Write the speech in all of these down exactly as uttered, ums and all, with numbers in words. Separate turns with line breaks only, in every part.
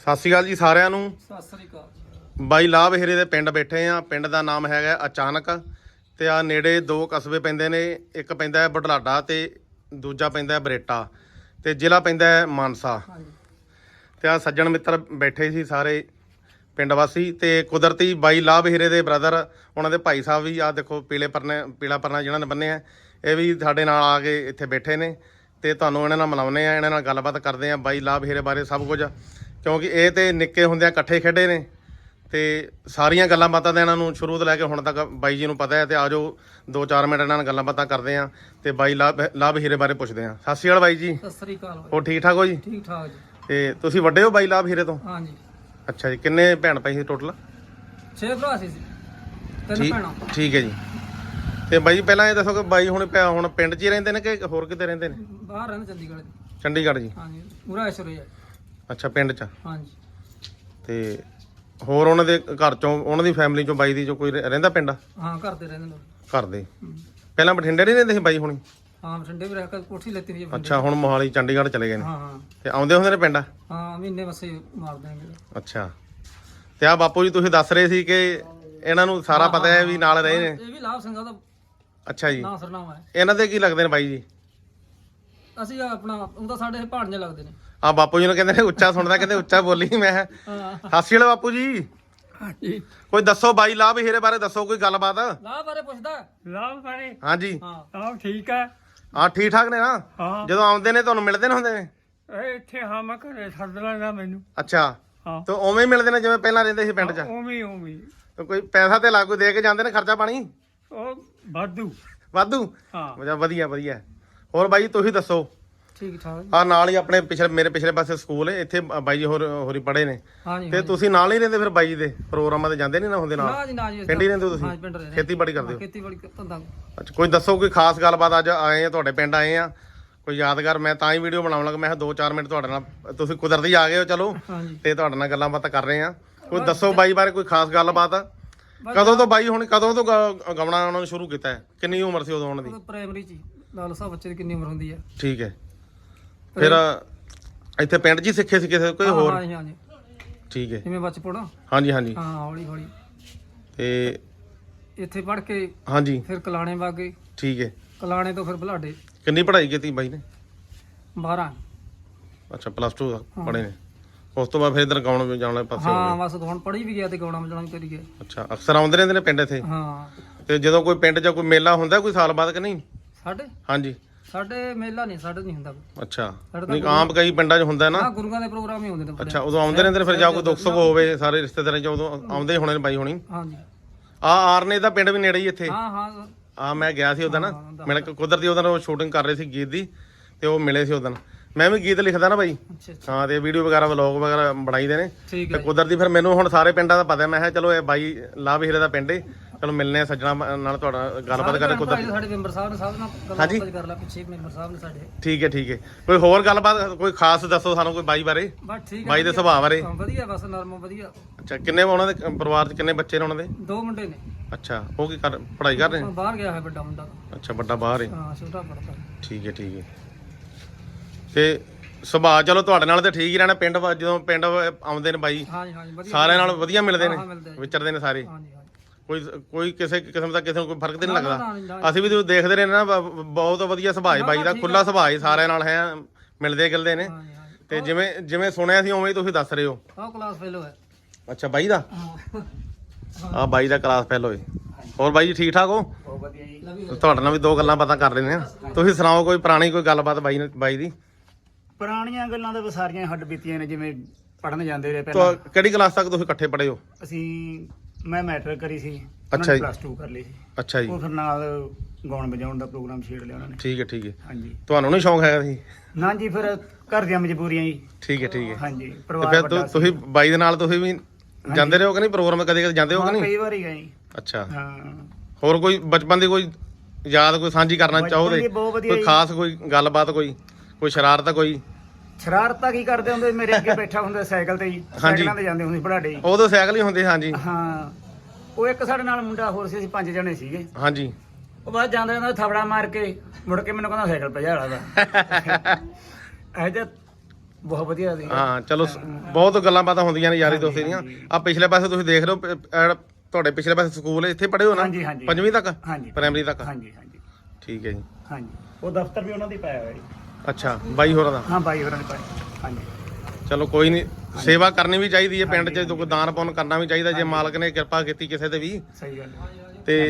ਸਤਿ ਸ਼੍ਰੀ ਅਕਾਲ ਜੀ ਸਾਰਿਆਂ ਨੂੰ।
ਸਤਿ ਸ੍ਰੀ ਅਕਾਲ।
ਬਾਈ ਲਾਭ ਹੀਰੇ ਦੇ ਪਿੰਡ ਬੈਠੇ ਆ। ਪਿੰਡ ਦਾ ਨਾਮ ਹੈਗਾ ਅਚਾਨਕ ਤੇ ਆ ਨੇੜੇ ਦੋ ਕਸਬੇ ਪੈਂਦੇ ਨੇ। ਇੱਕ ਪੈਂਦਾ ਹੈ ਬੁਢਲਾਡਾ ਤੇ ਦੂਜਾ ਪੈਂਦਾ ਹੈ ਬਰੇਟਾ ਤੇ ਜ਼ਿਲ੍ਹਾ ਪੈਂਦਾ ਹੈ ਮਾਨਸਾ। ਤੇ ਆ ਸੱਜਣ ਮਿੱਤਰ ਬੈਠੇ ਸੀ ਸਾਰੇ ਪਿੰਡ ਵਾਸੀ ਤੇ ਕੁਦਰਤੀ ਬਾਈ ਲਾਭ ਹੀਰੇ ਦੇ ਬ੍ਰਦਰ ਉਹਨਾਂ ਦੇ ਭਾਈ ਸਾਹਿਬ ਵੀ ਆ ਦੇਖੋ ਪੀਲੇ ਪਰਨੇ ਪੀਲਾ ਪਰਨਾ ਜਿਹਨਾਂ ਨੇ ਬੰਨਿਆ ਇਹ ਵੀ ਸਾਡੇ ਨਾਲ ਆ ਕੇ ਇੱਥੇ ਬੈਠੇ ਨੇ ਤੇ ਤੁਹਾਨੂੰ ਇਹਨਾਂ ਨਾਲ ਮਿਲਾਉਂਦੇ ਆ, ਇਹਨਾਂ ਨਾਲ ਗੱਲਬਾਤ ਕਰਦੇ ਆ ਬਾਈ ਲਾਭ ਹੀਰੇ ਬਾਰੇ ਸਭ ਕੁਝ, ਕਿਉਂਕਿ ਇਹ ਤੇ ਨਿੱਕੇ ਹੁੰਦਿਆਂ ਇਕੱਠੇ ਖੇਡੇ ਨੇ ਤੇ ਸਾਰੀਆਂ ਗੱਲਾਂ ਬਾਤਾਂ ਤਾਂ ਇਹਨਾਂ ਨੂੰ ਸ਼ੁਰੂ ਤੋਂ ਲੈ ਕੇ ਹੁਣ ਤੱਕ ਬਾਈ ਜੀ ਨੂੰ ਪਤਾ ਹੈ। ਤੇ ਆਜੋ ਦੋ ਚਾਰ ਮਿੰਟ ਇਹਨਾਂ ਨਾਲ ਗੱਲਾਂ ਬਾਤਾਂ ਕਰਦੇ ਆ ਤੇ ਬਾਈ ਲਾਭ ਲਾਭ ਹੀਰੇ ਬਾਰੇ ਪੁੱਛਦੇ ਆ। ਸਤਿ ਸ਼੍ਰੀ ਅਕਾਲ ਬਾਈ ਜੀ।
ਸਤਿ ਸ੍ਰੀ ਅਕਾਲ ਬਾਈ।
ਹੋਰ ਠੀਕ ਠਾਕ ਹੋ ਜੀ?
ਠੀਕ ਠਾਕ ਜੀ।
ਤੇ ਤੁਸੀਂ ਵੱਡੇ ਹੋ ਬਾਈ ਲਾਭ ਹੀਰੇ ਤੋਂ?
ਹਾਂਜੀ।
ਅੱਛਾ ਜੀ, ਕਿੰਨੇ ਭੈਣ ਭਾਈ ਸੀ ਟੋਟਲ?
ਛੇ ਭਰਾ ਸੀ, ਤਿੰਨ ਭੈਣਾਂ।
ਠੀਕ ਹੈ ਜੀ। ਤੇ ਬਾਈ ਜੀ ਪਹਿਲਾਂ ਇਹ ਦੱਸੋ ਕਿ ਬਾਈ ਹੁਣ ਹੁਣ ਪਿੰਡ 'ਚ ਹੀ ਰਹਿੰਦੇ ਨੇ ਕਿ ਹੋਰ ਕਿਤੇ ਰਹਿੰਦੇ ਨੇ?
ਬਾਹਰ ਰਹਿੰਦੇ ਚੰਡੀਗੜ੍ਹ।
ਚੰਡੀਗੜ੍ਹ ਜੀ।
ਹਾਂਜੀ, ਪੂਰਾ ਐਸ਼ਵਰੇ ਹੈ।
ਅੱਛਾ, ਪਿੰਡ 'ਚ।
ਹਾਂਜੀ।
ਤੇ ਹੋਰ ਉਹਨਾਂ ਦੇ ਘਰ ਚੋਂ ਉਹਨਾਂ ਦੀ ਫੈਮਿਲੀ ਚੋਂ ਬਾਈ ਦੀ ਚੋਂ ਕੋਈ ਰਹਿੰਦਾ ਪਿੰਡ?
ਹਾਂ, ਘਰ ਦੇ ਰਹਿੰਦੇ ਨੇ।
ਘਰ ਦੇ ਪਹਿਲਾਂ ਬਠਿੰਡੇ ਨਹੀਂ ਰਹਿੰਦੇ ਸੀ ਬਾਈ ਹੁਣੀ?
ਹਾਂ, ਬਠਿੰਡੇ ਵੀ ਰਹਿ ਕੇ ਕੋਠੀ ਲੈਤੀ ਸੀ।
ਅੱਛਾ, ਹੁਣ ਮੋਹਾਲੀ ਚੰਡੀਗੜ੍ਹ ਚਲੇ ਗਏ ਨੇ।
ਹਾਂ ਹਾਂ।
ਤੇ ਆਉਂਦੇ ਹੁੰਦੇ ਨੇ ਪਿੰਡ?
ਹਾਂ, ਮਹੀਨੇ ਵਸੇ ਮਾਰ ਦੇਣਗੇ।
ਅੱਛਾ। ਤੇ ਆ ਬਾਪੂ ਜੀ ਤੁਸੀਂ ਦੱਸ ਰਹੇ ਸੀ ਕਿ ਇਹਨਾਂ ਨੂੰ ਸਾਰਾ ਪਤਾ ਹੈ ਵੀ ਨਾਲ ਰਹੇ ਨੇ।
ਇਹ ਵੀ ਲਾਭ ਸਿੰਘਾਂ ਦਾ।
ਅੱਛਾ ਜੀ।
ਨਾਂ ਸਰਨਾਮਾ ਹੈ।
ਇਹਨਾਂ ਦੇ ਕੀ ਲੱਗਦੇ ਨੇ ਬਾਈ ਜੀ?
ਅਸੀਂ ਆਪਣਾ ਉਹ ਤਾਂ ਸਾਡੇ ਭਾਣਜੇ ਲੱਗਦੇ ਨੇ।
ਆ ਬਾਪੂ ਜੀ ਨੂੰ ਕਹਿੰਦੇ ਨੇ ਉੱਚਾ ਸੁਣਦਾ, ਕਹਿੰਦੇ ਉੱਚਾ ਬੋਲੀ। ਮੈਂ
ਹਾਂ।
ਸਤਿ ਸ਼੍ਰੀ ਅਕਾਲ ਬਾਪੂ ਜੀ।
ਹਾਂਜੀ।
ਕੋਈ ਦੱਸੋ ਬਾਈ ਲਾਭ ਹੀਰੇ ਬਾਰੇ ਦੱਸੋ ਕੋਈ ਗੱਲਬਾਤ।
ਲਾਭ ਬਾਰੇ ਪੁੱਛਦਾ?
ਲਾਭ ਬਾਰੇ?
ਹਾਂਜੀ।
ਹਾਂ।
ਲਾਭ ਠੀਕ ਹੈ।
ਆ ਠੀਕ ਠਾਕ ਨੇ ਨਾ?
ਹਾਂ।
ਜਦੋਂ ਆਉਂਦੇ ਨੇ ਤੁਹਾਨੂੰ ਮਿਲਦੇ ਨੇ ਹੁੰਦੇ ਨੇ?
ਇਹ ਇੱਥੇ ਹਾਂ ਮੈਂ ਘਰੇ ਸੱਦ ਲੈਂਦਾ ਮੈਨੂੰ।
ਅੱਛਾ।
ਹਾਂ।
ਤੇ ਉਵੇਂ ਹੀ ਮਿਲਦੇ ਨੇ ਜਿਵੇਂ ਪਹਿਲਾਂ ਰਹਿੰਦੇ ਸੀ ਪਿੰਡ 'ਚ?
ਉਵੇਂ ਉਵੇਂ।
ਤੇ ਕੋਈ ਪੈਸਾ ਤੇ ਲਾਗੂ ਦੇ ਕੇ ਜਾਂਦੇ ਨੇ, ਖਰਚਾ ਪਾਣੀ
ਉਹ ਵਾਧੂ।
ਵਾਧੂ?
ਹਾਂ।
ਵਧੀਆ ਵਧੀਆ। ਹੋਰ ਬਾਈ ਤੁਸੀਂ ਦੱਸੋ।
ਠੀਕ ਠਾਕ।
ਆ ਨਾਲ ਹੀ ਆਪਣੇ ਪਿਛਲੇ ਮੇਰੇ ਪਿਛਲੇ ਪਾਸੇ ਸਕੂਲ ਹੈ, ਇੱਥੇ ਬਾਈ ਜੀ ਹੋਰ ਹੋਰੀ ਪੜ੍ਹੇ ਨੇ।
ਹਾਂਜੀ।
ਤੇ ਤੁਸੀਂ ਨਾਲ ਹੀ ਰਹਿੰਦੇ ਫਿਰ ਬਾਈ ਜੀ ਦੇ ਪ੍ਰੋਗਰਾਮਾਂ ਤੇ ਜਾਂਦੇ ਨਹੀਂ ਨਾ ਹੁੰਦੇ ਨਾਲ?
ਨਾ ਜੀ ਨਾ ਜੀ।
ਪਿੰਡ ਹੀ ਰਹਿੰਦੇ ਹੋ ਤੁਸੀਂ?
ਹਾਂ, ਪਿੰਡ ਰਹਿੰਦੇ।
ਖੇਤੀਬਾੜੀ ਕਰਦੇ ਹੋ?
ਖੇਤੀਬਾੜੀ ਧੰਦਾ।
ਅੱਛਾ, ਕੋਈ ਦੱਸੋ ਕੋਈ ਖਾਸ ਗੱਲਬਾਤ। ਅੱਜ ਆਏ ਆ ਤੁਹਾਡੇ ਪਿੰਡ ਆਏ ਆ ਕੋਈ ਯਾਦਗਾਰ। ਮੈਂ ਤਾਂ ਹੀ ਵੀਡੀਓ ਬਣਾਉਣ ਲੱਗਾ, ਮੈਂ ਕਿਹਾ ਦੋ ਚਾਰ ਮਿੰਟ ਤੁਹਾਡੇ ਨਾਲ, ਤੁਸੀਂ ਕੁਦਰਤੀ ਆ ਗਏ ਹੋ ਚਲੋ
ਹਾਂਜੀ।
ਤੇ ਤੁਹਾਡੇ ਨਾਲ ਗੱਲਾਂ ਬਾਤਾਂ ਕਰ ਰਹੇ ਆ। ਕੋਈ ਦੱਸੋ ਬਾਈ ਬਾਰੇ ਕੋਈ ਖਾਸ ਗੱਲਬਾਤ। ਕਦੋਂ ਤੋਂ ਬਾਈ ਹੁਣ ਕਦੋਂ ਤੋਂ ਗ- ਗਾਉਣਾ ਉਹਨਾਂ ਨੇ ਸ਼ੁਰੂ ਕੀਤਾ ਹੈ? ਕਿੰਨੀ ਉਮਰ ਸੀ ਉਦੋਂ ਉਹਨਾਂ ਦੀ?
ਪ੍ਰਾਇਮਰੀ ਚ ਲਾਲ ਸਾਹਿਬ ਬੱਚੇ ਦੀ ਕਿੰਨੀ ਉਮਰ ਹੁੰਦੀ ਹੈ?
ਠੀਕ ਹੈ। ਫਿਰ ਇੱਥੇ ਪਿੰਡ 'ਚ ਹੀ ਸਿੱਖੇ ਸੀ ਕਿਸੇ ਕੋਈ ਹੋਰ?
ਹਾਂਜੀ ਹਾਂਜੀ।
ਠੀਕ ਹੈ।
ਜਿਵੇਂ ਬਚਪਨ।
ਹਾਂਜੀ ਹਾਂਜੀ।
ਹਾਂ, ਹੌਲੀ ਹੌਲੀ
ਤੇ
ਇੱਥੇ ਪੜ੍ਹ ਕੇ
ਹਾਂਜੀ।
ਫਿਰ ਕਲਾਣੇ ਵਗ ਗਏ।
ਠੀਕ ਹੈ।
ਕਲਾਣੇ ਤੋਂ ਫਿਰ ਬੁਢਲਾਡੇ।
ਕਿੰਨੀ ਪੜ੍ਹਾਈ ਕੀਤੀ ਬਾਈ ਨੇ?
ਬਾਰਾਂ।
ਅੱਛਾ, ਪਲੱਸ ਟੂ ਪੜ੍ਹੇ ਨੇ। ਉਸ ਤੋਂ ਬਾਅਦ ਫਿਰ ਇੱਧਰ ਗਾਉਣ ਜਾਣ ਪਾਸੇ ਹੋ
ਹਾਂ,
ਗਏ?
ਬਸ ਹੁਣ ਪੜ੍ਹੀ ਵੀ ਗਿਆ ਤੇ ਗਾਉਣਾ ਵਜਾਉਣਾ ਵੀ ਕਰੀ ਗਿਆ।
ਅੱਛਾ, ਅਕਸਰ ਆਉਂਦੇ ਰਹਿੰਦੇ ਨੇ ਪਿੰਡ ਇੱਥੇ?
ਹਾਂ।
ਤੇ ਜਦੋਂ ਕੋਈ ਪਿੰਡ 'ਚ ਕੋਈ ਮੇਲਾ ਹੁੰਦਾ ਕੋਈ ਸਾਲ ਬਾਅਦ ਕਿ ਨਹੀਂ?
ਸਾਡੇ
ਹਾਂਜੀ।
ਸਾਡੇ ਮੇਲਾ ਨਹੀਂ, ਸਾਡੇ ਨਹੀਂ ਹੁੰਦਾ।
ਅੱਛਾ, ਨਹੀਂ ਆਮ ਕਈ ਪਿੰਡਾਂ 'ਚ ਹੁੰਦਾ ਨਾ।
ਹਾਂ, ਗੁਰੂਆਂ ਦੇ ਪ੍ਰੋਗਰਾਮ ਹੀ ਹੁੰਦੇ ਨੇ।
ਅੱਛਾ, ਉਦੋਂ ਆਉਂਦੇ ਰਹਿੰਦੇ ਨੇ ਫਿਰ ਜਾਂ ਕੋਈ ਦੁੱਖ ਸੁੱਖ ਹੋਵੇ ਸਾਰੇ ਰਿਸ਼ਤੇਦਾਰਾਂ 'ਚ ਉਦੋਂ ਆਉਂਦੇ ਹੋਣੇ ਨੇ ਬਾਈ ਹੋਣੀ।
ਹਾਂਜੀ।
ਆ ਆਰਨੇ ਦਾ ਪਿੰਡ ਵੀ ਨੇੜੇ ਹੀ ਇੱਥੇ।
ਹਾਂ ਹਾਂ।
ਆ ਮੈਂ ਗਿਆ ਸੀ ਉਦੋਂ ਨਾ, ਮਿਲ ਕੇ ਕੁਦਰਤੀ ਉਦੋਂ ਸ਼ੂਟਿੰਗ ਕਰ ਰਹੇ ਸੀ ਗੀਤ ਦੀ ਤੇ ਉਹ ਮਿਲੇ ਸੀ ਉਦੋਂ। ਮੈਂ ਵੀ ਗੀਤ ਲਿਖਦਾ ਨਾ ਬਾਈ।
ਅੱਛਾ ਅੱਛਾ।
ਹਾਂ, ਤੇ ਵੀਡੀਓ ਵਗੈਰਾ ਵਲੌਗ ਵਗੈਰਾ ਬਣਾਈਦੇ ਨੇ
ਠੀਕ
ਤੇ
ਹੈ।
ਕੁਦਰਤੀ ਫਿਰ ਮੈਨੂੰ ਹੁਣ ਸਾਰੇ ਪਿੰਡਾਂ ਦਾ ਪਤਾ। ਮੈਂ ਕਿਹਾ ਚਲੋ ਇਹ ਬਾਈ ਲਾਭ ਹੀਰੇ ਦਾ ਪਿੰਡ ਏ, ਚਲੋ ਮਿਲਨੇ ਆ ਸੱਜਣਾ ਨਾਲ, ਤੁਹਾਡਾ ਗੱਲਬਾਤ ਕਰੇ ਕੁਦਰਤੀ।
ਸਾਡੇ ਮੈਂਬਰ ਸਾਹਿਬ ਨੇ ਸਭ ਨਾਲ ਗੱਲਬਾਤ ਕਰ ਲਾ। ਪਿੱਛੇ ਮੈਂਬਰ ਸਾਹਿਬ ਨੇ ਸਾਡੇ।
ਠੀਕ ਹੈ ਠੀਕ ਹੈ। ਕੋਈ ਹੋਰ ਗੱਲਬਾਤ ਕੋਈ ਖਾਸ ਦੱਸੋ ਸਾਨੂੰ ਕੋਈ ਬਾਈ ਬਾਰੇ,
ਬਸ ਠੀਕ ਹੈ।
ਬਾਈ ਦੇ ਸੁਭਾਅ ਬਾਰੇ।
ਵਧੀਆ, ਬਸ ਨਰਮ ਵਧੀਆ।
ਅੱਛਾ, ਕਿੰਨੇ ਉਹਨਾਂ ਦੇ ਪਰਿਵਾਰ 'ਚ ਕਿੰਨੇ ਬੱਚੇ ਨੇ ਉਹਨਾਂ ਦੇ?
ਦੋ ਮੁੰਡੇ ਨੇ।
ਅੱਛਾ, ਉਹ ਕੀ ਕਰ ਪੜ੍ਹਾਈ ਕਰ ਰਹੇ ਨੇ?
ਬਾਹਰ ਗਿਆ ਹੈ ਵੱਡਾ ਮੁੰਡਾ।
ਅੱਛਾ, ਵੱਡਾ ਬਾਹਰ ਹੈ।
ਹਾਂ, ਛੋਟਾ ਪੜਦਾ।
ਠੀਕ ਹੈ ਠੀਕ ਹੈ। ਤੇ ਸੁਭਾਅ ਚਲੋ ਤੁਹਾਡੇ ਨਾਲ ਤੇ ਠੀਕ ਹੀ ਰਹਿਣਾ। ਪਿੰਡ ਵਾ- ਜਦੋਂ ਪਿੰਡ ਆਉਂਦੇ ਨੇ ਬਾਈ
ਹਾਂਜੀ ਹਾਂਜੀ, ਵਧੀਆ।
ਸਾਰਿਆਂ ਨਾਲ ਵਧੀਆ ਮਿਲਦੇ ਨੇ,
ਹਾਂ, ਮਿਲਦੇ ਆ ਜੀ।
ਵਿਚਰਦੇ ਨੇ ਸਾਰੇ?
ਹਾਂਜੀ ਹਾਂਜੀ।
ਕੋਈ ਕੋਈ ਕਿਸੇ ਕਿਸਮ ਦਾ ਕਿਸੇ ਨੂੰ ਕੋਈ ਫਰਕ ਤੇ ਨਹੀਂ
ਨਾ, ਨਾ,
ਲੱਗਦਾ?
ਨਾ, ਨਾ।
ਅਸੀਂ ਵੀ ਜਦੋਂ ਦੇਖਦੇ ਰਹੇ ਨਾ ਬ- ਬਹੁਤ ਵਧੀਆ ਸੁਭਾਅ ਹੈ ਬਾਈ ਦਾ, ਖੁੱਲਾ ਸੁਭਾਅ ਹੈ, ਸਾਰਿਆਂ ਨਾਲ ਹੈ ਮਿਲਦੇ ਗਿਲਦੇ ਨੇ।
ਹਾਂਜੀ ਹਾਂਜੀ।
ਤੇ ਜਿਵੇਂ ਜਿਵੇਂ ਸੁਣਿਆ ਸੀ ਉਵੇਂ ਹੀ ਤੁਸੀਂ ਦੱਸ ਰਹੇ ਹੋ।
ਆਹ ਕਲਾਸ ਫੇਲੋ ਹੈ।
ਅੱਛਾ, ਬਾਈ ਦਾ
ਹਾਂ।
ਆ ਬਾਈ ਦਾ ਕਲਾਸ ਫੈਲ ਹੋਏ। ਹੋਰ ਬਾਈ ਜੀ ਠੀਕ ਠਾਕ ਹੋ?
ਬਹੁਤ ਵਧੀਆ ਜੀ।
ਲਵੀ
ਤੁਹਾਡੇ ਨਾਲ ਵੀ ਦੋ ਗੱਲਾਂ ਬਾਤਾਂ ਕਰ ਲੈਂਦੇ ਆ। ਤੁਸੀਂ ਸੁਣਾਓ ਕੋਈ ਪੁਰਾਣੀ ਕੋਈ ਗੱਲਬਾਤ ਬਾਈ ਨੇ ਬਾਈ ਦੀ।
ਪੁਰਾਣੀਆਂ ਗੱਲਾਂ ਤਾਂ ਸਾਰੀਆਂ ਹੱਡ ਬੀਤੀਆਂ ਨੇ। ਜਿਵੇਂ ਪੜਨ ਜਾਂਦੇ ਰਹੇ ਪਹਿਲਾਂ
ਤੁਹਾ- ਕਿਹੜੀ ਕਲਾਸ ਤੱਕ ਤੁਸੀਂ ਇਕੱਠੇ ਪੜ੍ਹੇ ਹੋ?
ਅਸੀਂ, ਮੈਂ ਮੈਟ੍ਰਿਕ ਕਰੀ ਸੀ।
ਅੱਛਾ ਜੀ।
ਪਲੱਸ ਟੂ ਕਰ ਲਈ ਸੀ।
ਅੱਛਾ ਜੀ।
ਉਹ ਫਿਰ ਨਾਲ ਗਾਉਣ ਵਜਾਉਣ ਦਾ ਪ੍ਰੋਗਰਾਮ ਛੇੜ ਲਿਆ ਉਹਨਾਂ ਨੇ।
ਠੀਕ ਹੈ ਠੀਕ ਹੈ।
ਹਾਂਜੀ।
ਤੁਹਾਨੂੰ ਨਹੀਂ ਸ਼ੌਂਕ ਹੈਗਾ ਸੀ?
ਨਾ ਜੀ, ਫਿਰ ਘਰ ਦੀਆਂ ਮਜਬੂਰੀਆਂ ਜੀ।
ਠੀਕ ਹੈ ਠੀਕ ਹੈ।
ਹਾਂਜੀ,
ਤੇ
ਪਰਿਵਾਰ
ਫਿਰ
ਵੱਡਾ
ਤੁ-
ਸੀ।
ਤੁਸੀਂ ਬਾਈ ਦੇ ਨਾਲ ਤੁਸੀਂ ਵੀ ਜਾਂਦੇ ਰਹੇ ਹੋ ਕਿ ਨਹੀਂ ਪ੍ਰੋਗਰਾਮ? ਕਦੇ ਕਦੇ ਜਾਂਦੇ ਹੋ ਕਿ
ਹਾਂ,
ਨਹੀਂ?
ਕਈ ਵਾਰੀ ਗਏ ਜੀ।
ਅੱਛਾ।
ਹਾਂ।
ਹੋਰ ਕੋਈ ਬਚਪਨ ਦੀ ਕੋਈ ਯਾਦ ਕੋਈ ਸਾਂਝੀ ਕਰਨਾ
ਬਚਪਨ
ਚਾਹੋਦੇ?
ਦੀ ਬਹੁਤ ਵਧੀਆ
ਕੋਈ
ਜੀ।
ਖਾਸ ਕੋਈ ਗੱਲਬਾਤ ਕੋਈ ਕੋਈ ਸ਼ਰਾਰਤ ਕੋਈ?
ਸ਼ਰਾਰਤਾਂ ਕੀ ਕਰਦੇ ਹੁੰਦੇ? ਮੇਰੇ ਅੱਗੇ ਬੈਠਾ ਹੁੰਦਾ ਸਾਈਕਲ ਤੇ ਜੀ। ਸਾਈਕਲਾਂ ਤੇ ਜਾਂਦੇ ਹੁੰਦੇ ਸੀ ਬੜਾਡੇ ਜੀ।
ਉਦੋਂ ਸਾਈਕਲ ਹੀ ਹੁੰਦੇ ਹਾਂਜੀ।
ਹਾਂ। ਉਹ ਇੱਕ ਸਾਡੇ ਨਾਲ ਮੁੰਡਾ ਹੋਰ ਸੀ, ਅਸੀਂ ਪੰਜ ਜਣੇ ਸੀਗੇ।
ਹਾਂਜੀ।
ਉਹ ਬਾਅਦ ਜਾਂਦਾ ਜਾਂਦਾ ਥਾਪੜਾ ਮਾਰ ਕੇ ਮੁੜ ਕੇ ਮੈਨੂੰ ਕਹਿੰਦਾ ਸਾਈਕਲ ਭਜਾ ਲਾ ਦਾ। ਇਹ ਜਿਹਾ ਬਹੁਤ ਵਧੀਆ ਸੀ।
ਹਾਂ ਚਲੋ ਸ- ਬਹੁਤ ਗੱਲਾਂ ਬਾਤਾਂ ਹੁੰਦੀਆਂ ਨੇ ਯਾਰੀ ਦੋਸਤੀ ਦੀਆਂ। ਆ ਪਿਛਲੇ ਪਾਸੇ ਤੁਸੀਂ ਦੇਖ ਲਓ ਪ- ਅਹ ਤੁਹਾਡੇ ਪਿਛਲੇ ਪਾਸੇ ਸਕੂਲ ਹੈ, ਇੱਥੇ ਪੜ੍ਹੇ ਹੋ ਨਾ?
ਹਾਂਜੀ ਹਾਂਜੀ
ਪੰਜਵੀਂ ਤੱਕ
ਹਾਂਜੀ
ਪ੍ਰਾਇਮਰੀ ਤੱਕ?
ਹਾਂਜੀ ਹਾਂਜੀ
ਠੀਕ ਹੈ ਜੀ।
ਹਾਂਜੀ ਉਹ ਦਫ਼ਤਰ ਵੀ ਉਹਨਾਂ ਦੀ ਪਾਇਆ ਹੋਇਆ ਜੀ।
ਅੱਛਾ ਬਾਈ ਹੋਰਾਂ ਦਾ?
ਹਾਂ ਬਾਈ ਹੋਰਾਂ ਨੇ ਪਾਇਆ। ਹਾਂਜੀ
ਚਲੋ ਕੋਈ ਨਹੀਂ, ਸੇਵਾ ਕਰਨੀ ਵੀ ਚਾਹੀਦੀ ਹੈ ਪਿੰਡ 'ਚ, ਕੋਈ ਦਾਨ ਪੁੰਨ ਕਰਨਾ ਵੀ ਚਾਹੀਦਾ ਜੇ ਮਾਲਕ ਨੇ ਕਿਰਪਾ ਕੀਤੀ ਕਿਸੇ ਤੇ ਵੀ।
ਸਹੀ ਗੱਲ ਹੈ।
ਤੇ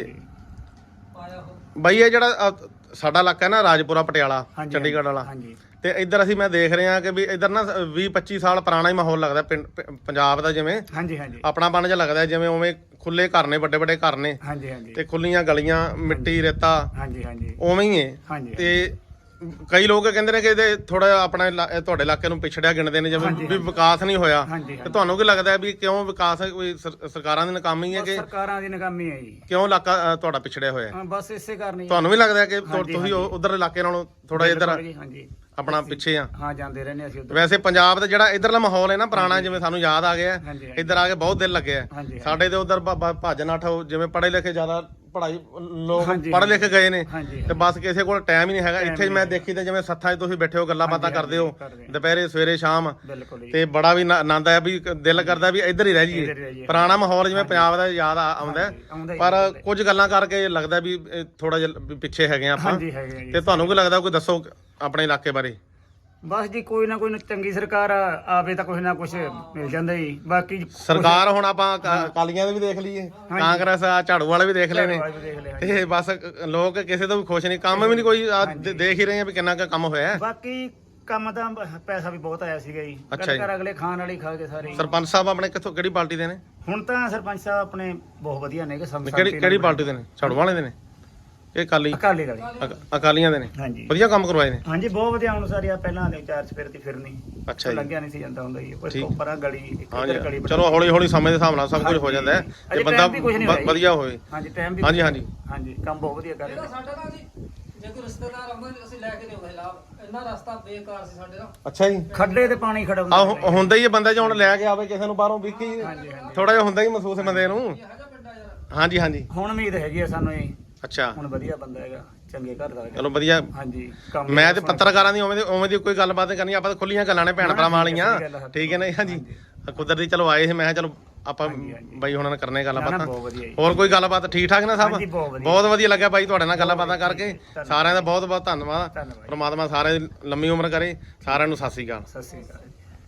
ਬਾਈ ਇਹ ਜਿਹੜਾ ਅਹ, ਸਾਡਾ ਇਲਾਕਾ ਹੈ ਨਾ ਰਾਜਪੁਰਾ ਪਟਿਆਲਾ
ਹਾਂਜੀ,
ਚੰਡੀਗੜ੍ਹ ਵਾਲਾ,
ਹਾਂਜੀ
ਤੇ ਇੱਧਰ ਅਸੀਂ ਮੈਂ ਦੇਖ ਰਿਹਾ ਕਿ ਵੀ ਇੱਧਰ ਨਾ ਵੀਹ ਪੱਚੀ ਸਾਲ ਪੁਰਾਣਾ ਹੀ ਮਾਹੌਲ ਲੱਗਦਾ ਪਿੰਡ ਪ- ਪੰਜਾਬ ਦਾ, ਜਿਵੇਂ
ਹਾਂਜੀ ਹਾਂਜੀ
ਆਪਣਾਪਨ ਜਿਹਾ ਲੱਗਦਾ, ਜਿਵੇਂ ਉਵੇਂ ਖੁੱਲੇ ਘਰ ਨੇ, ਵੱਡੇ ਵੱਡੇ ਘਰ ਨੇ
ਹਾਂਜੀ ਹਾਂਜੀ
ਤੇ ਖੁੱਲੀਆਂ ਗਲੀਆਂ, ਮਿੱਟੀ ਰੇਤਾ
ਹਾਂਜੀ ਹਾਂਜੀ
ਉਵੇਂ ਹੀ ਹੈ।
ਹਾਂਜੀ
ਤੇ ਕਈ ਲੋਕ ਕਹਿੰਦੇ ਨੇ ਕਿ ਇਹਦੇ ਥੋੜਾ ਆਪਣਾ ਇਲਾ- ਇਹ ਤੁਹਾਡੇ ਇਲਾਕੇ ਨੂੰ ਪਿਛੜਿਆ ਗਿਣਦੇ ਨੇ, ਜਿਵੇਂ
ਹਾਂਜੀ,
ਵੀ ਵਿਕਾਸ ਨਹੀਂ ਹੋਇਆ।
ਹਾਂਜੀ
ਤੇ
ਹਾਂਜੀ
ਤੁਹਾਨੂੰ ਕੀ ਲੱਗਦਾ ਹੈ ਵੀ ਕਿਉਂ ਵਿਕਾਸ ਕੋਈ ਸਰ- ਸਰਕਾਰਾਂ ਦੀ ਨਾਕਾਮੀ ਹੈ ਕਿ
ਸਰਕਾਰਾਂ ਦੀ ਨਾਕਾਮੀ ਹੈ ਜੀ।
ਕਿਉਂ ਇਲਾਕਾ ਅ, ਤੁਹਾਡਾ ਪਿਛੜਿਆ ਹੋਇਆ ਹੈ?
ਹਾਂ, ਬਸ ਇਸੇ ਕਾਰਨ ਹੀ।
ਤੁਹਾਨੂੰ ਵੀ ਲੱਗਦਾ ਹੈ ਕਿ ਤੁ-
ਹਾਂਜੀ,
ਤੁਸੀਂ
ਹਾਂਜੀ।
ਉਧਰ ਇਲਾਕੇ ਨਾਲੋਂ ਥੋੜਾ ਇੱਧਰ
ਬਿਲਕੁਲ ਜੀ, ਹਾਂਜੀ
ਆਪਣਾ ਪਿੱਛੇ ਆ?
ਹਾਂ ਜਾਂਦੇ ਰਹਿੰਦੇ ਅਸੀਂ ਉੱਧਰ।
ਵੈਸੇ ਪੰਜਾਬ ਦਾ ਜਿਹੜਾ ਇਧਰਲਾ ਮਾਹੌਲ ਹੈ ਨਾ ਪੁਰਾਣਾ, ਜਿਵੇਂ ਸਾਨੂੰ ਯਾਦ ਆ ਗਿਆ,
ਹਾਂਜੀ ਹਾਂਜੀ
ਇੱਧਰ ਆ ਕੇ ਬਹੁਤ ਦਿਲ ਲੱਗਿਆ।
ਹਾਂਜੀ
ਸਾਡੇ ਤੇ ਉਧਰ ਭੱਜ ਨੱਠ, ਜਿਵੇਂ ਪੜ੍ਹੇ ਲਿਖੇ ਜ਼ਿਆਦਾ ਪੜ੍ਹਾਈ ਲੋਕ
ਹਾਂਜੀ,
ਪੜ੍ਹ ਲਿਖ ਗਏ ਨੇ,
ਹਾਂਜੀ
ਤੇ ਬਸ ਕਿਸੇ ਕੋਲ ਟਾਈਮ ਹੀ ਨਹੀਂ ਹੈਗਾ।
Time
ਇੱਥੇ
ਨਹੀਂ
ਮੈਂ
ਹੈਗਾ।
ਦੇਖੀ ਤੇ ਜਿਵੇਂ ਸੱਥਾਂ 'ਚ ਤੁਸੀਂ ਬੈਠੇ ਹੋ, ਗੱਲਾਂ ਬਾਤਾਂ
ਹਾਂਜੀ,
ਕਰਦੇ ਹੋ
ਕਰਦੇ ਹਾਂ।
ਦੁਪਹਿਰੇ ਸਵੇਰੇ ਸ਼ਾਮ,
ਬਿਲਕੁਲ ਜੀ।
ਤੇ ਬੜਾ ਵੀ ਨ- ਆਨੰਦ ਆਇਆ ਵੀ ਦਿਲ ਕਰਦਾ ਵੀ ਇੱਧਰ ਹੀ ਰਹਿ
ਇੱਧਰ ਹੀ ਰਹਿ
ਜਾਈਏ।
ਜਾਈਏ।
ਪੁਰਾਣਾ ਮਾਹੌਲ ਜਿਵੇਂ ਪੰਜਾਬ ਦਾ ਯਾਦ ਆ- ਆਉਂਦਾ ਹੈ,
ਹਾਂਜੀ, ਆਉਂਦਾ ਹੀ
ਪਰ
ਆਉਂਦਾ ਹੀ।
ਕੁਝ ਗੱਲਾਂ ਕਰਕੇ ਲੱਗਦਾ ਵੀ ਥੋੜਾ ਜਿਹਾ ਵੀ ਪਿੱਛੇ ਹੈਗੇ ਆ ਆਪਾਂ।
ਹਾਂਜੀ ਹੈਗੇ ਆ ਜੀ।
ਤੇ ਤੁਹਾਨੂੰ ਕੀ ਲੱਗਦਾ, ਕੋਈ ਦੱਸੋ ਆਪਣੇ ਇਲਾਕੇ ਬਾਰੇ?
ਬਸ ਜੀ ਕੋਈ ਨਾ ਕੋਈ ਨਾ ਚੰਗੀ ਸਰਕਾਰ ਆਵੇ ਤਾਂ ਕੁਛ ਨਾ ਕੁਛ ਮਿਲ ਜਾਂਦਾ ਜੀ। ਬਾਕੀ
ਸਰਕਾਰ ਹੁਣ ਆਪਾਂ ਅਕਾ- ਅਕਾਲੀਆਂ ਦੇ ਵੀ ਦੇਖ ਲਈਏ, ਕਾਂਗਰਸ ਆ, ਝਾੜੂ ਵਾਲੇ ਵੀ ਦੇਖ ਲਏ ਨੇ,
ਕੁਛ ਦੇਖ ਲਿਆ।
ਤੇ ਬਸ ਲੋਕ ਕਿਸੇ ਤੋਂ ਵੀ ਖੁਸ਼ ਨਹੀਂ, ਕੰਮ ਵੀ ਨਹੀਂ ਕੋਈ। ਆਹ ਦੇ- ਦੇਖ ਹੀ ਰਹੇ ਆ ਵੀ ਕਿੰਨਾ ਕੁ ਕੰਮ ਹੋਇਆ ਹੈ।
ਬਾਕੀ ਕੰਮ ਤਾਂ ਪੈਸਾ ਵੀ ਬਹੁਤ ਆਇਆ ਸੀਗਾ ਜੀ।
ਅੱਛਾ ਜੀ।
ਘਰ ਅਗਲੇ ਖਾਣ ਵਾਲੀ ਖਾ ਕੇ ਸਾਰੇ ਹੀ।
ਸਰਪੰਚ ਸਾਹਿਬ ਆਪਣੇ ਕਿੱਥੋਂ, ਕਿਹੜੀ ਪਾਰਟੀ ਦੇ ਨੇ?
ਹੁਣ ਤਾਂ ਸਰਪੰਚ ਸਾਹਿਬ ਆਪਣੇ ਬਹੁਤ ਵਧੀਆ ਨੇ ਕਿ ਸਮ
ਕਿਹੜੀ ਕਿਹੜੀ ਪਾਰਟੀ ਦੇ ਨੇ? ਝਾੜੂ ਵਾਲੇ ਦੇ ਨੇ? ਇਹ ਅਕਾਲੀ
ਅਕਾਲੀ ਦਲ।
ਅਕ- ਅਕਾਲੀਆਂ ਦੇ ਨੇ?
ਹਾਂਜੀ
ਵਧੀਆ ਕੰਮ ਕਰਵਾਏ ਨੇ?
ਹਾਂਜੀ ਬਹੁਤ ਵਧੀਆ। ਹੁਣ ਸਾਰੀ ਆ ਪਹਿਲਾਂ ਦੇ ਚਾਰ ਚਫੇਰ ਦੀ ਫਿਰਨੀ
ਅੱਛਾ ਜੀ।
ਲੱਗਿਆ ਨਹੀਂ ਸੀ ਜਾਂਦਾ ਹੁੰਦਾ ਜੀ। ਕੋਈ
ਠੀਕ।
ਉੱਪਰਾਂ ਗਲੀ ਇੱਕ
ਹਾਂਜੀ
ਇੱਧਰ ਗਲੀ ਬਣਾ-
ਚਲੋ ਹੌਲੀ ਹੌਲੀ ਸਮੇਂ ਦੇ ਹਿਸਾਬ ਨਾਲ ਸਭ ਕੁਝ ਹੋ ਜਾਂਦਾ ਹੈ, ਜੇ
ਅਜੇ
ਬੰਦਾ
time ਵੀ ਕੁਛ ਨਹੀਂ
ਵ-
ਹੋਇਆ ਜੀ।
ਵਧੀਆ ਹੋਵੇ।
ਹਾਂਜੀ ਟਾਈਮ ਵੀ
ਹਾਂਜੀ ਹਾਂਜੀ
ਹਾਂਜੀ ਕੰਮ ਬਹੁਤ ਵਧੀਆ ਕਰ ਰਹੇ
ਇਹਦਾ
ਨੇ।
ਸਾਡਾ ਨਾ ਜੀ, ਜੇ ਕੋਈ ਰਿਸ਼ਤੇਦਾਰ ਆਉਂਦਾ ਅਸੀਂ ਲੈ ਕੇ ਨਹੀਂ ਆਉਂਦੇ ਲਾਭ। ਇੰਨਾ ਰਸਤਾ ਬੇਕਾਰ ਸੀ ਸਾਡੇ ਦਾ।
ਅੱਛਾ ਜੀ।
ਖੱਡੇ ਤੇ ਪਾਣੀ ਖੜਾ ਹੁੰਦਾ
ਆ ਹੁੰਦਾ ਹੀ ਹੈ ਬੰਦਾ, ਜੇ ਹੁਣ ਲੈ ਕੇ ਆਵੇ ਕਿਸੇ ਨੂੰ ਬਾਹਰੋਂ ਵੀ ਕੀ ਥੋੜਾ ਜਿਹਾ ਹੁੰਦਾ ਹੀ ਮਹਿਸੂਸ ਬੰਦੇ ਨੂੰ।
ਹੈਗਾ ਪਿੰਡਾ ਯਾਰ।
ਹਾਂਜੀ ਹਾਂਜੀ
ਹੁਣ ਉਮੀਦ ਹੈਗੀ ਆ ਸਾਨੂੰ ਇਹ।
ਅੱਛਾ
ਹੁਣ ਵਧੀਆ ਬੰਦਾ ਹੈਗਾ, ਚੰਗੇ ਘਰ ਦਾ ਹੈਗਾ।
ਚਲੋ ਵਧੀਆ।
ਹਾਂਜੀ ਕੰਮ
ਮੈਂ ਤੇ ਪੱਤਰਕਾਰਾਂ ਦੀ ਉਵੇਂ ਦੀ ਉਵੇਂ ਦੀ ਕੋਈ ਗੱਲਬਾਤ ਨਹੀਂ ਕਰਨੀ, ਆਪਾਂ ਤਾਂ ਖੁੱਲੀਆਂ ਗੱਲਾਂ ਨੇ ਭੈਣ ਭਰਾਵਾਂ ਵਾਲੀਆਂ,
ਸਹੀ ਗੱਲ ਹੈ।
ਠੀਕ ਹੈ ਨਾ? ਹਾਂਜੀ ਕੁਦਰਤੀ ਚਲੋ ਆਏ ਸੀ, ਮੈਂ ਕਿਹਾ ਚਲੋ ਆਪਾਂ ਬਾਈ ਹੁਣਾਂ ਨਾਲ ਕਰਨੇ
ਨਾ, ਨਾ,
ਗੱਲਬਾਤਾਂ।
ਬਹੁਤ ਵਧੀਆ ਜੀ।
ਹੋਰ ਕੋਈ ਗੱਲਬਾਤ ਠੀਕ ਠਾਕ ਨਾ ਸਭ?
ਹਾਂਜੀ, ਬਹੁਤ ਵਧੀਆ।
ਬਹੁਤ ਵਧੀਆ ਲੱਗਿਆ ਬਾਈ ਤੁਹਾਡੇ ਨਾਲ ਗੱਲਾਂ ਬਾਤਾਂ ਕਰਕੇ। ਸਾਰਿਆਂ ਦਾ ਬਹੁਤ ਬਹੁਤ ਧੰਨਵਾਦ।
ਧੰਨਵਾਦ।
ਪ੍ਰਮਾਤਮਾ ਸਾਰਿਆਂ ਦੀ ਲੰਮੀ ਉਮਰ ਕਰੇ। ਸਾਰਿਆਂ ਨੂੰ ਸਤਿ ਸ੍ਰੀ ਅਕਾਲ।
ਸਤਿ ਸ੍ਰੀ ਅਕਾਲ।